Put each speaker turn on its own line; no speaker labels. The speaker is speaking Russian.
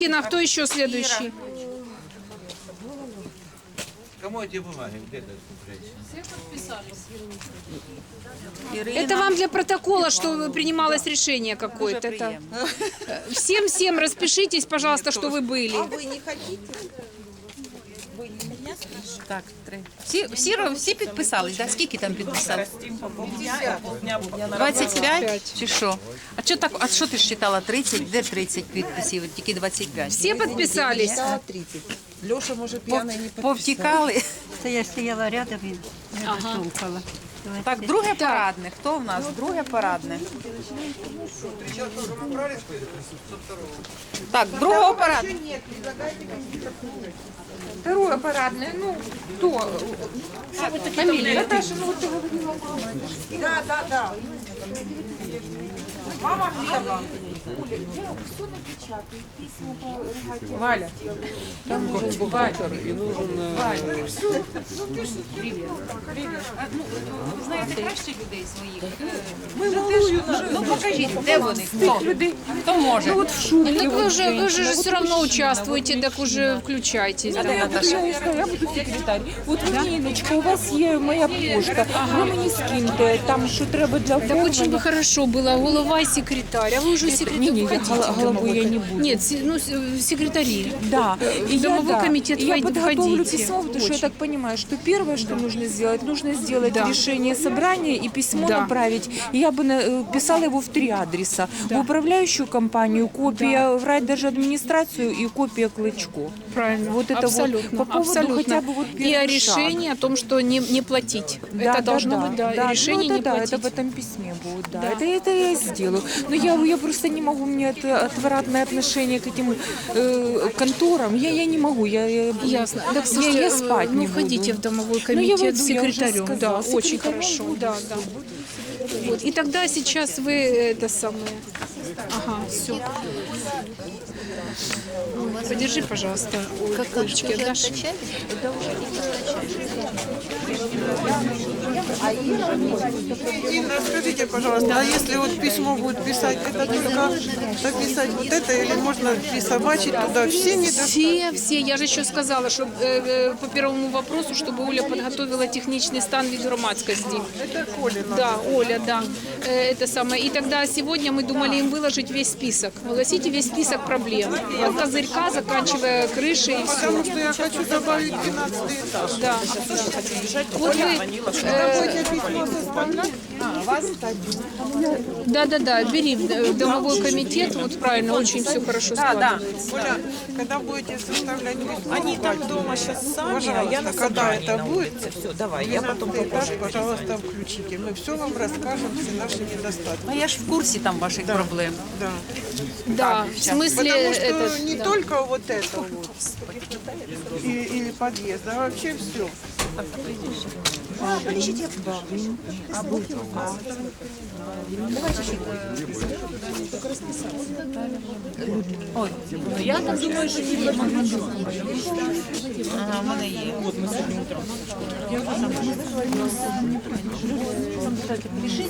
А кто еще следующий?
Кому эти бумаги? Где-то
Это вам для протокола, что принималось решение какое-то. Это... Всем распишитесь, пожалуйста, что вы были.
А вы не хотите? Ви мене спрашиваєте?
Так, три. Всі підписались, да? Скільки там підписали? 25 чи що? А що ти ж читала 30? Де 30 підписів? Тільки 25.
Все подписались?
Да, 30. Леша, може, п'яний не підписав.
Повтікали.
Це я стояла рядом і слухала.
Так, друге парадне. Хто в нас? Друге парадне. Так, другого парадне.
Второе парадное. Ну, кто? Фамилия. Наташа, ну вот ты говорила.
Да. Мама Глеба.
Валя.
Там нужен бухгалтер и нужен...
Ви знаєте краще людей своїх. Ну покажіть, де вони? Хто може?
Ну вы же все равно участвуете, так уже включайтесь. Да.
Я буду секретар. От Ніночка, у вас є моя пошта. Ви мені скиньте, там що треба для
Так очень бы
оформлення.
хорошо было, голова и секретарь. А вы уже секретарь
Не,
хотите?
головой я не буду.
Нет, секретари.
Да. И
Домовой комитет
И я подготовлю
входите.
письмо, потому что я так понимаю, что первое, что нужно сделать
Да.
решение собрания и письмо
Да.
направить. И я бы писала его в 3 адреса. В управляющую компанию, копия в райдержадминистрацию и копия Клычко.
Правильно.
Вот это
абсолютно.
вот по поводу
абсолютно.
хотя бы вот
И о
первый шаг.
решении о том, что не платить. Это должно быть, да, решение
ну, это,
не
да,
платить.
это в этом письме будет, да. Это я сделаю. Но я просто не могу, у меня это отвратное отношение к этим конторам. Я не могу.
Ясно. Так,
я
слушайте,
спать не буду.
входите в домовой
Ну, я
комитет с
войду, я уже
секретарем. Да,
сказала.
очень
Секретарем
хорошо.
буду.
Да. Вот. И тогда сейчас вы это самое. Ага, все. Подержи, пожалуйста, кольчики отдашь.
Инна, скажите, пожалуйста, а если вот письмо будет писать, это только написать вот это или можно присобачить туда все недостатки?
Все. Я же еще сказала, что по первому вопросу, чтобы Оля подготовила техничный стан від громадскости.
Это Колина.
Да, Оля, да. Это самое. И тогда сегодня мы думали им выложить весь список. Огласите весь список проблем. От козырька, заканчивая крышей и все.
Потому что я хочу добавить 12 этаж.
Да. Вот вы,
Будете письмо составлять?
да, бери в домовой комитет, вот правильно, очень все хорошо складывается.
Оля, когда будете составлять письмо,
Они там дома сейчас сами, а
пожалуйста,
я на
когда
собрании
это
на
будет,
улице. Все, давай, я потом
12 этаж,
попозже.
пожалуйста, включите. Мы все вам расскажем, все наши недостатки.
А я ж в курсі там ваших проблем.
Да.
Да, в смысле,
Потому что
этот,
не
да.
только вот это вот, или подъезд, а вообще все.
Ой, я так думаю, що ні. Ага, в мене є.